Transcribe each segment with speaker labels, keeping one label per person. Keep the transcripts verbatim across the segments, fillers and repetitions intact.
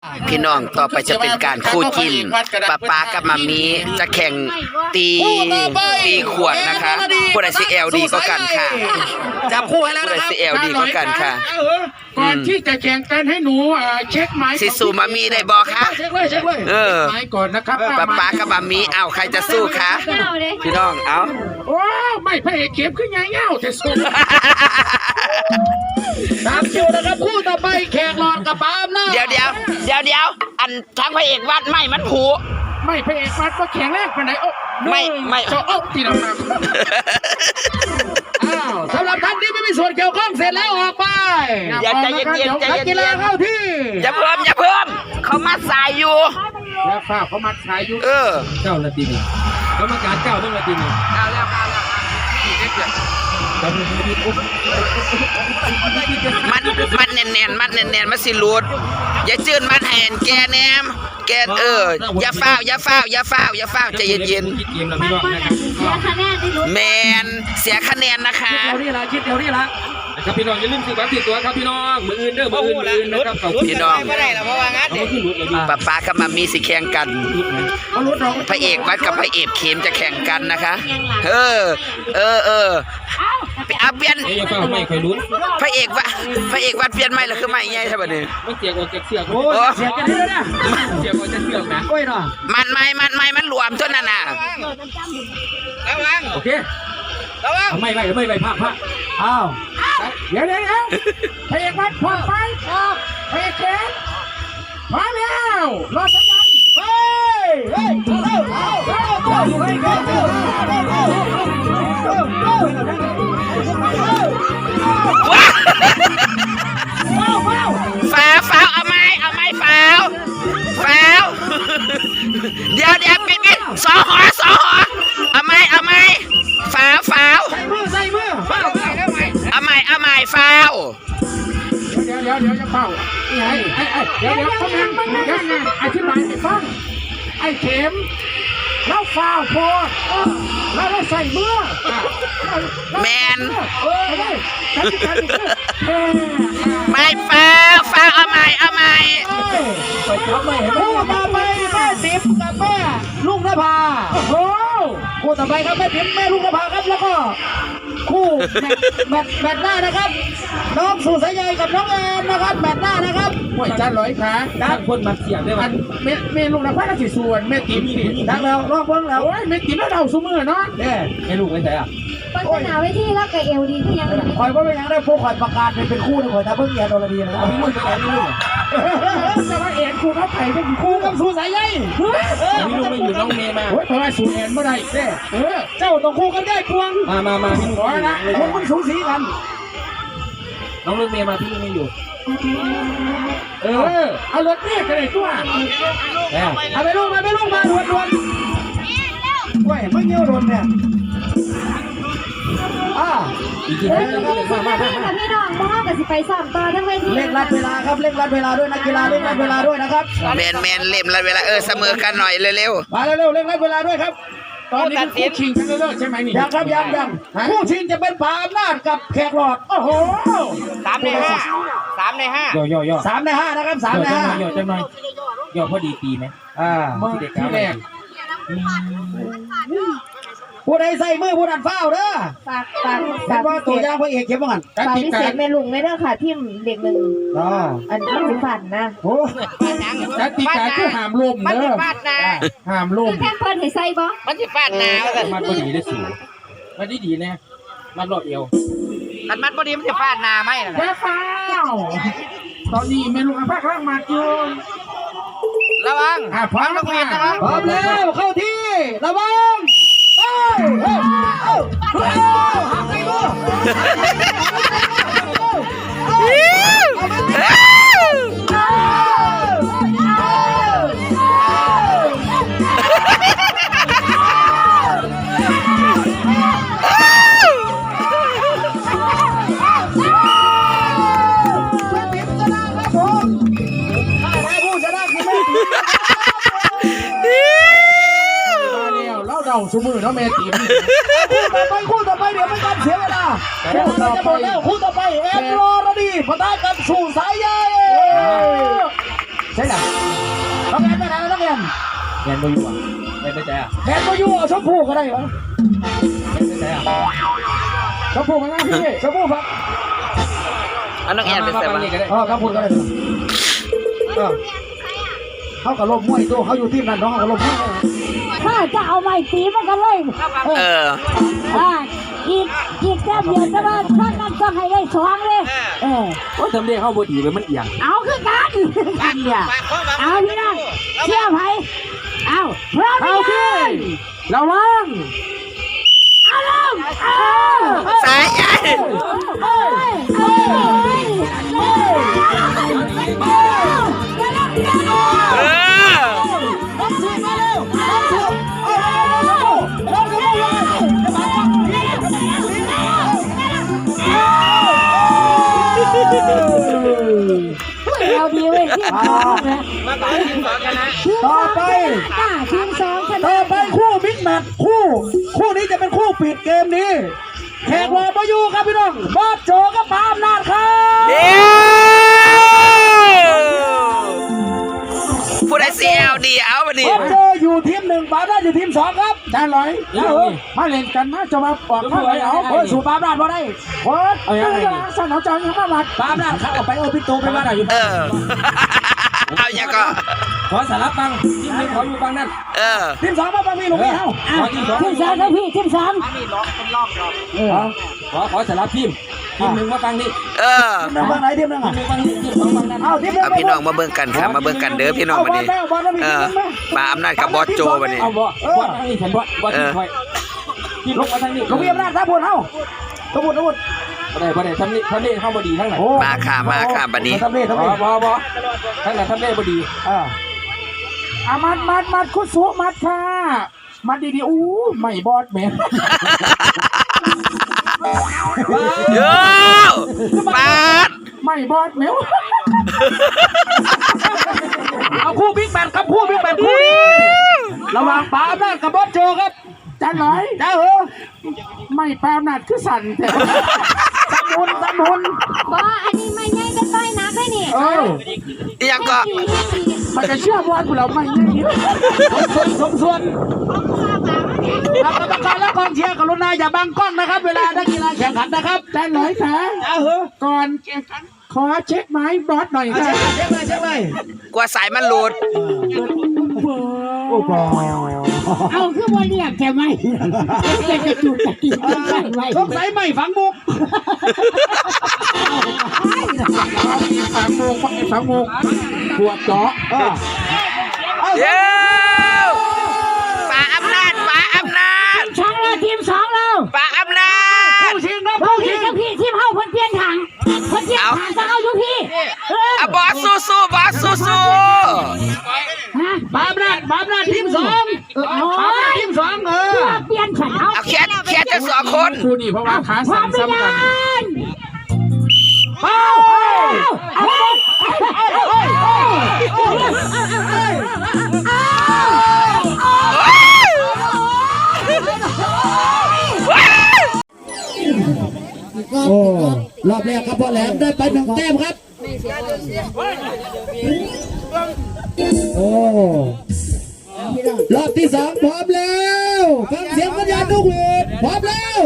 Speaker 1: พี่น้องต่อไปจะเป็นการคู่จิ้นป้าป้ากับมามีจะแข่งตีตีขวดนะคะผู้ใดซีเอลดีก็กันค่ะ
Speaker 2: จับคู่ให้แล้ว
Speaker 1: ผู้ใด
Speaker 2: นะครับ
Speaker 1: ซีเอลดีก็กันค่ะ
Speaker 3: ก่อนที่จะแข่งกันให้หนูเช็คไม้
Speaker 1: สิสูมามีได้บอกคะ
Speaker 3: เช็คเลยเช็คเลย
Speaker 1: เออ
Speaker 3: ไม้ก่อนนะครับ
Speaker 1: ป้าป้ากับมามีเอาใครจะสู้คะพี่น้องเอา
Speaker 3: ว้าวไม่พระเอกเข็มขึ้นยังเง่าแต่สู้
Speaker 2: ตามคิวนะครับคู่ต่อไปแขกหลอดกับปาล์มนะ
Speaker 1: เดี๋ยวเดี๋ยวเดี๋ยวเดี๋ยวอันทั้งพระเอกวัดไม่มันผู
Speaker 3: ไม่พระเอกวัดก็แข็งแรงปานไหนโอ้
Speaker 1: ไม่ไม่
Speaker 3: จะโอ้ที่เราท
Speaker 2: อ้าวสำหรับท่านที่ไม่มีส่วนเกี่ยวข้องเสร็จแล้วออกไป
Speaker 3: ำ
Speaker 1: อย่าใจเย็นๆใจ
Speaker 2: นักกี
Speaker 1: เย็
Speaker 2: ฬาน เข้าที่
Speaker 1: ๆอย่าเพิ่มอย่าเพิ่มเขามาสายอยู่
Speaker 3: แล้วฝ้าเขามัดสายอยู่
Speaker 1: เออ
Speaker 4: เก้านาทีนี่กรรมการเก้าต้องนาทีนี่
Speaker 1: เอาแล้วเอาแล้วมันมันแน่นๆมันแน่นๆมันสิรูดอย่าจื้นมันแหนแกแนมแกเอออย่าฟ้าวอย่าฟ้าวอย่าฟ้าวอย่าฟ้าวใจเย็น
Speaker 4: คิดเกมเราพี่น้องนะครับ
Speaker 1: ๆแมนเสียคะแนนนะคะ
Speaker 2: เดี๋ยวนี้ละคิดเดี๋ยวนี้ละ
Speaker 4: นะครับพี่น้องอย่าลืมซื้อบัตรติดตัวครับพี่น้องมืออื่นเด้อมืออื่นมืออื่นนะครับขอบคุณ
Speaker 1: พี่น้อง
Speaker 4: ไม่ได้หรอกเพราะว่างั้นเอาขึ้นรถเลย
Speaker 1: ป้าป้ากับมามีสิแข่งกัน
Speaker 3: เขาลุ้นเรา
Speaker 1: พระเอกวัดกับพระเอกเข็มจะแข่งกันนะคะ เออ เออเออเอาเปลี่ยน
Speaker 4: เอ้ยอย่าเฝ้าไม่ค่อยลุ้น
Speaker 1: พระเอกวะพระเอกวัดเปลี่ยนไม่หรือคือไม่ไงใช่ปะเนี่ย
Speaker 4: มันเสียกออกจากเสือก
Speaker 2: โอ้ยเสียกันเลยนะ
Speaker 4: เสียกออกจากเสือกนะ
Speaker 2: โอ้ยเนาะ
Speaker 1: มันไม่มันไม่มันรวมเท่านั้นน่ะ
Speaker 4: โอเคเอาไม่ไม่ไม่ไม่พลาดพลาด
Speaker 2: อ้าว
Speaker 3: เดี๋ยวเดี๋ยวเดี๋ยวพระเอกวัดพร้อมไปพระเอกเข็มพร้อมแล้วรอสัญญาณ
Speaker 2: เฮ้ยเฮ้ยเฮ้ยเฮ้ยเฮ้ยเฮ้ยเฮ้ยเฮ้ยเฮ้ย
Speaker 1: ฟ้าวฟ้าวเอาไม้เอาไม้ฟ้าวฟ้าวเดี๋ยวเดี๋ยวปิดปิดสองหอสองหอเอาไม้เอาไม้ฟ้าวฟ้าว
Speaker 2: ใส่มือใส่มือเฝ้าเฝ้า
Speaker 1: เอาไม้เอาไม้ฟ้าว
Speaker 3: เดี๋ยวเดี๋ยวเดี๋ยวจะเป่าไอ้ไอ้ไอ้เดี๋ยวเดี๋ยวเขาแม่งยังไงอธิบายให้ฟังไอ้เข็มเราฟาวโพดแล้วเราใส่เมื่อ
Speaker 1: แมน
Speaker 3: เออได้กติกาคือเออ
Speaker 1: ไม้ฟ้าวฟ้าวเอาไม้เอาไม้
Speaker 2: ไปจับไม่เห็นคู่ต่อไปแม่ติ๋มกับแม่ลุงนภา
Speaker 3: โอ้โห
Speaker 2: คู่ต่อไปครับแม่ติ๋มแม่ลุงนภาครับแล้วก็คู่แมตช์แมตช์แมตช์หน้านะครับ น้องสุสายใยกับน้องแอนนะครับแมตช์หน้านะครับ
Speaker 3: ห่วยจานร้อยขา
Speaker 4: ทางคนมาเสียบได้
Speaker 3: อั
Speaker 4: ป่ะ
Speaker 3: นเมเมลูกนะพ่อเราสิส่วนเมติ๋มนี่
Speaker 2: ดังแล้วรอบเบิ้งแล้ว
Speaker 3: โอ้ยเมติ๋มแล้วเราสู้มือเนาะ
Speaker 2: เนี่ย
Speaker 4: ไม่ลูกไม่ใช่อ่ะ
Speaker 5: ปัญหาไว้ที่แล้วกับเอลดีก็ยัง
Speaker 2: คอยว่าไม่ยังได้พวกคอยประกาศเป็นเป็นคู่นะคอยถ้าเพิ่งเรียนโดนระเบียนนะ
Speaker 4: เอาพี่ลุงไปไหนพี่ลุง
Speaker 3: แต่ว่าเอ็นครูเขาไผ่เป็นครู
Speaker 2: คู่กับสุสายใย
Speaker 4: พี่ลุงไม่อยู่น้องเมย์มา
Speaker 3: โอ้ยเพราะว่าสูนเอ็นไม่ได้เด้เออ
Speaker 2: เจ้าต้องคู่กันได้พวง
Speaker 4: มามามาพี่ลุง
Speaker 3: ขอนะ
Speaker 2: คนมันสูสีกัน
Speaker 4: น้องรถเมย์มาพี่ลุงไม่อยู่
Speaker 3: เออเอารถเรียกกันเลยตัว
Speaker 4: แล้ว
Speaker 2: เอาไปลูกมาไปลูกมาด่วนด่วนว้ยไม่เงี้ยวโดนเนี่ยอ่า
Speaker 4: อีกที
Speaker 5: เฮ้ย
Speaker 4: นึง
Speaker 5: พี่พี่
Speaker 4: มามา
Speaker 5: พี่
Speaker 4: มา
Speaker 5: กับพี่น้องพ่อกับสิไปสอบต่อทั้งเวที
Speaker 2: เร่งรัดเวลาครับเร่งรัดเวลาด้วยนักกีฬาเร่งรัดเวลาด้วยนะครับ
Speaker 1: แมนแมนเล่มละเวลาเออเสมอกันหน่อยเร็ว
Speaker 2: มาเร็วๆเร่งรัดเวลาด้วยครับ
Speaker 3: ตอนนี้คู่ชิงกันเลิกใช่ไหมนี่
Speaker 2: ยังครับยังยังคู่ชิงจะเป็นผาอำนาจกับแขกหลอด
Speaker 3: โอ้โห
Speaker 1: ๆสามในห้าสามในห้า
Speaker 4: ย่อย่อย่อ
Speaker 2: สามในห้านะครับสามในห้า
Speaker 4: ย่อจังหน่อยย่อพอดีตีไหม
Speaker 2: อ่า
Speaker 3: เมื่อที่แรก
Speaker 2: ผู้ใดใส่มือผู้นั้นเฝ้าเด้อ
Speaker 5: ฝากฝาก
Speaker 2: แต่
Speaker 5: ฝาก
Speaker 2: ว่าตัวอย่างพระเอกเข็มว่างัน
Speaker 3: ก
Speaker 5: ฝาก
Speaker 3: ติ
Speaker 5: พิ
Speaker 3: กา
Speaker 5: เศษแม่ลุงไม่เด้อค่ะทีมเด็กหนึ่ง
Speaker 2: อ่า
Speaker 5: อันมันสิฝันนะ
Speaker 2: โอ้
Speaker 3: กติกาคือห้ามลมเด้อห้ามล
Speaker 5: คื
Speaker 3: ม
Speaker 5: อแค่เพิ่นให้ใส่บ่
Speaker 1: มันจะฟาดหนาว
Speaker 4: มันพอดีได้สูงมันดีดีนะมันรอบเอว
Speaker 1: มันมันพอดีมันจะฟาดหนาไหมล่ะ
Speaker 3: แค่ฟ้าวตอนนี้เมลูกอาภาคล่างมาจูน
Speaker 1: ระวัง
Speaker 3: อ่ะพร้อมแล้วค่ะ
Speaker 2: พร้อมแล้วเข้าที่ระวังเอ้ยเอ้ยเอ้ยเอ้ยหักไปมือ
Speaker 3: เราเดาสมือเนาะเมติ๋ม
Speaker 2: ต่อไปคู่ต่อไปเดี๋ยวไม่การเสียเวลาคู่ต่อไปแล้วคู่ต่อไปเอ็มรอรดีปะทะกับสู่สายใยสช่ไหมน้องแอนไปไหนแล้วน้องแอน
Speaker 4: แอนบ่อยู่อ่ะไปไปใจอ่ะ
Speaker 2: แอนก็อยู่เอาชมพู่ก็ได้เหรอ
Speaker 4: ไปใจอ่ะ
Speaker 2: ชมพู่มาหน้าพี่ชมพู่ครับ
Speaker 1: อันน้องแอนเป็นแต่ว่า
Speaker 2: เออครับพูดก็ได้เออเขากับลมมวยตัวเขาอยู่ที่นั่นน้องเขากับลมมวย
Speaker 6: ถ้าจะเอาไม้ตีมันก็เลย
Speaker 1: เออ
Speaker 6: อ่าอีกอีกแค่เดียวแต่ว่าท่านนั้นต้องให้ได้สองเลยเออ
Speaker 4: ว่าทำได้เข้าบ่ดีเลยมันเอียง
Speaker 6: เอาคือกันกันเนี่ยเอาพี่น้องเชื่อไผเอาพร้อมหรือยัง
Speaker 3: ระวัง
Speaker 6: เอาลงเอา
Speaker 1: สายใหญ่
Speaker 6: เอ้ยเอ้ยเอ้ยเอ้ย
Speaker 1: เออ
Speaker 2: รถสิมาเร็วรถสิเอาเร็วรถเร็วเลยจะมา
Speaker 6: เราดีเว้ยทีมสองนะ
Speaker 2: ต่อไป
Speaker 6: อ่าทีมสองช
Speaker 2: ต่อ
Speaker 6: นะ
Speaker 2: ไปคู่บิ๊กแมตช์คู่คู่นี้จะเป็นคู่ปิดเกมนี้แขกรอมาอยู่ครับพี่น้องบอสโจกับปาล์มนาดครับ
Speaker 1: เดี๋ยวผู้ใดซีเอลดีเอามาดิ
Speaker 2: บอสโจอยู่ทีมหนึ่งปาล์มนาดอยู่ทีมสองครับ
Speaker 3: จานลอยมาเล่นกันนะจะมาปอกข้าวไหนเอา
Speaker 2: โอ้ยสู่ปาล์มนาดมาได้
Speaker 3: โค้ดเอาอย่างไรสนองจอยยังมาบัด
Speaker 2: ปาล์มนาดครับออกไปเออพี่ตูไปมาได้อยู่
Speaker 1: เออ เอาอย่างก็
Speaker 4: ขอสารปังทีมนึงขออยู่ฟังนั่น
Speaker 1: เออ
Speaker 2: ทีมสองมาฟังพี่หลวงพี่เฮา
Speaker 6: อ่ะทีมสองนะพี่ทีมสอง
Speaker 4: ขอขอสารทีมทีมหนึ่งมาฟังนี่
Speaker 1: เออ
Speaker 2: ทีมหนึ่งฟังไหนทีมหนึ่ง
Speaker 4: ที
Speaker 2: อ่ะ
Speaker 4: มหนึ่งฟังนี่ทีมสองฟังนั่น
Speaker 2: เอาทีมหนึ่ง
Speaker 1: เอาพี่น้องมาเบิ่งกันครับมาเบิ่งกันเด้อพี่น้องวันนี้
Speaker 2: บอลแล้วมี
Speaker 1: เอ
Speaker 2: ทีม
Speaker 1: อ
Speaker 2: หนึ่งไหม
Speaker 1: มาอำนาจกับบอสโจวันนี้
Speaker 4: เอาบ่บ่ทางนี้ฉันบ่บ่ทีมคอยทีมลงมาทางนี้
Speaker 2: หลวงพี่อำนาจครับพูดเฮาสมุดสมุด
Speaker 4: บ่ได้บ่ได้ทำนี่ทำนี่เข้าบ่ดีทั้งไหน
Speaker 1: มาค่ะมาค่ะบัดนี้
Speaker 2: ทำเล่ทำ
Speaker 4: บ่
Speaker 2: เล่
Speaker 4: บ่บ่ทั้งนั้นทำได้บ่ดี
Speaker 2: อ่า
Speaker 3: อามัดมัดมัดคุสุมัดค่ะมัดดีๆอู้ไม่บอดแม่
Speaker 1: โย่ปาด
Speaker 3: ไม่บอดแม่
Speaker 2: เอาคู่บิ๊กแมตช์ครับคู่บิ๊กแมตช์คู่นี้ระหว่างปาล์มนาดกับบอสโจครับ
Speaker 3: จานลอย
Speaker 2: จ้าเหรอ
Speaker 3: ไม่ปามนัดคือสั่นแต่
Speaker 2: สมุนสมุน
Speaker 6: บออันนี้ไม่ง่ายก็ต้อยนักได้นี่
Speaker 3: เออ
Speaker 1: อีหยังก็
Speaker 3: มันจะเชื่อว่าเราไม่เนี่ย
Speaker 2: ส่วนสมส่วนกรรมการและกองเชียร์กรุณาอย่าบังกล้องนะครับ เวลานักกีฬาแข่งขันนะครับ
Speaker 3: จานลอยค่ะ
Speaker 2: จ้าเหรอ
Speaker 3: ก่อนแข่งขันขอเช็คไม้บอสหน่อย
Speaker 2: เอา
Speaker 3: ค่ะ
Speaker 2: เช็คเลยเช็คเลย
Speaker 1: กลัวสายมันหลุด
Speaker 2: โอ้โห
Speaker 6: เอาคือว่าเรียกแกไหมจะจะจุดจะกินกันไว้
Speaker 2: สงสัยไม่ฝังมุก
Speaker 3: สามโมงสามโมงปวดเจาะ
Speaker 2: เออเอา
Speaker 1: เย้ปาอำนาจปาอำนาจ
Speaker 6: ช่างเราทีมสองเรา
Speaker 1: ปาอำนาจ
Speaker 2: ผู้ชิงครับ
Speaker 6: เรา
Speaker 2: ผู้
Speaker 6: พี่
Speaker 2: ชิง
Speaker 6: กับพี่ทีมเฮาเพิ่นเปลี่ยนทางเพิ่นเปลี่ยนทางจะเอาอยู่พี่เออ
Speaker 1: อะบอสสู้สู้บอสสู้สู้
Speaker 6: ฮะ
Speaker 2: ปาล์มนาดปาล์มนาดทีมสอง
Speaker 6: โอ้
Speaker 2: ปาล์มนาด
Speaker 6: ย
Speaker 2: ทีมสองเออ
Speaker 6: เปลี่ยนฉันเอา
Speaker 1: เอาแค่แค่จะสองคน
Speaker 3: คู่นี่เพราะว่าขา
Speaker 6: ควา
Speaker 3: สั่
Speaker 6: ม
Speaker 3: น
Speaker 6: ไม่
Speaker 3: ซ้ำ
Speaker 6: ยั
Speaker 3: กัน
Speaker 6: น
Speaker 2: เป้า
Speaker 6: เอาเอา
Speaker 2: โอ้รอบแรกครับพ่อแหลมได้ไปหนึ่งแต้มครับโอ้รอบที่สองพร้อมแล้วฟังเสียงสัญญาณนกหวีดพร้อมแล้ว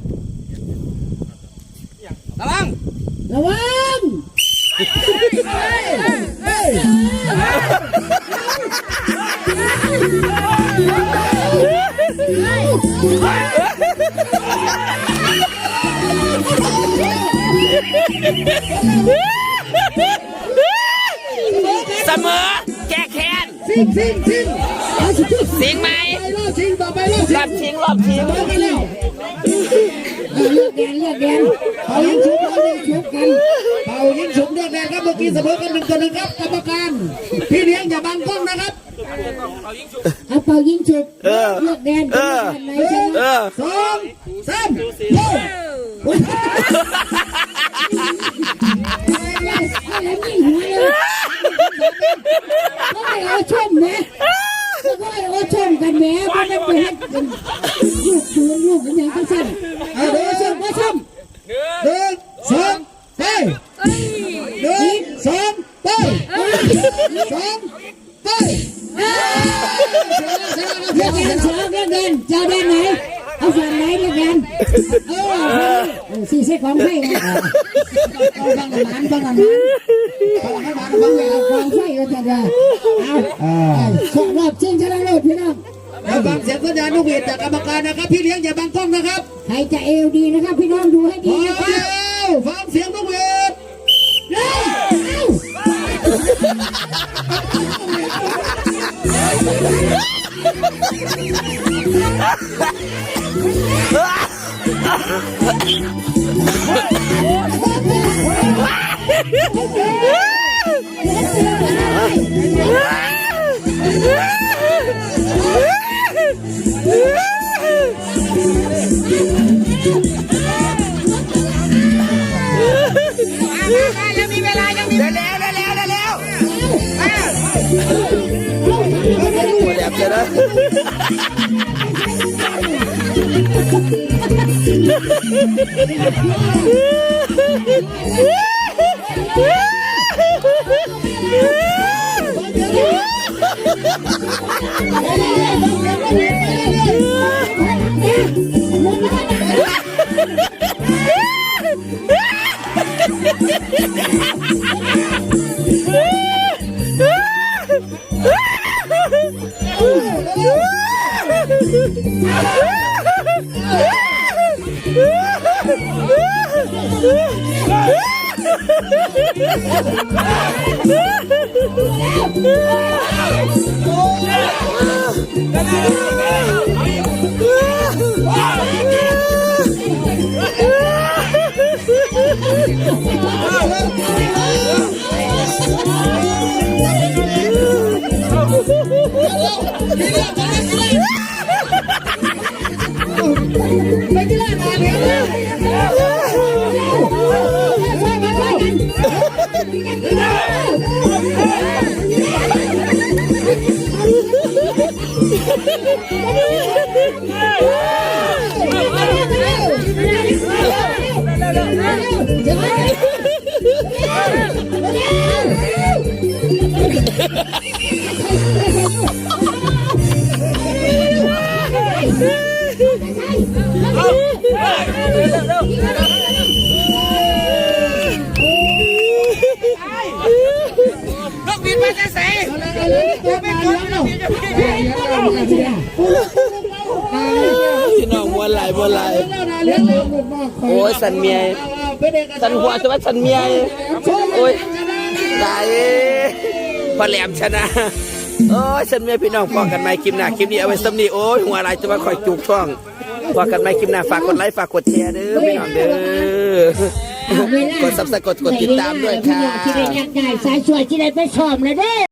Speaker 2: ระวังระวังเฮ้ย
Speaker 1: เสมอแก้แค้น
Speaker 2: ซิงซิงซิงเอาสิ
Speaker 1: สิงไหม
Speaker 2: ไปรอบชิงต่อไปรอบ
Speaker 1: รอบชิงรอบชิง
Speaker 2: ต่อไปแล้ว
Speaker 6: เลือกแดนเลือกแดน
Speaker 2: เป่ายิงฉุบเป่ายิงฉุบกันเป่ายิงฉุบเลือกแดงครับเมื่อกี้เสมอกันหนึ่งต่อหนึ่งครับกรรมการพี่เลี้ยงอย่าบังกล้องนะครับ
Speaker 6: เอาเป่ายิงฉุบเลือกแดนเลือกแดนไหนชนะ
Speaker 1: เออ
Speaker 2: สองสามโอ้
Speaker 6: อะไรนี่หัวเลยก็ให้เอาชมนะก็ให้เอาชมกันแหมก็ไม่ไปให้กันลูกปืนลูกกันอย่างกันสั้น
Speaker 2: เอาเดิน
Speaker 6: ชมก็ชม
Speaker 2: หนึ่งสองไปหนึ่งสองไปสอง
Speaker 6: ไปเลือกกันสองเลือกกันเจ้าด้านไหนเอาฝั่งไหนเลือกกันเออสี่เส้นของไฟนะเอาฟังหมันฟังหมันฟังหมันฟังอย่างของไฟก็จะได้เอาสอบรอบชิงชนะเลิศพี่น้องเราฟังเสียงสัญญาณนกหวีดจากกรรมการนะครับพี่เลี้ยงอย่าบังกล้องนะครับใครจะเอวดีนะครับพี่น้องดูให้ดีนะครับฟังเสียงนกหวีดเร็ว
Speaker 1: ยังมีเวลายังมีเร็วเร็วเร็วเร็วเร็วแดบจะนะไปที่ร้านมาเลยนกบินมาจะใส่พี่น้องมวนไหลมวนไหลโอ้ยสันเมียสันหัวจะว่าสันเมียโอ้ยตายพอแหลมชนะโอ้ยสันเมียพี่น้องพอกันไหมคลิปหน้าคลิปนี้เอาไว้ซ้ำนี่โอ้ยหัวไหลจะว่าคอยจุกช่องพอกันไหมคลิปหน้าฝากกดไลค์ฝากกดแชร์เด้อพี่น้องเด้อกดซับสไครต์กดกดติดตามด้วยค่ะ
Speaker 6: ที่ได้ยักษ์ใหญ่สายสวยที่ได้ไปชมเลยเด้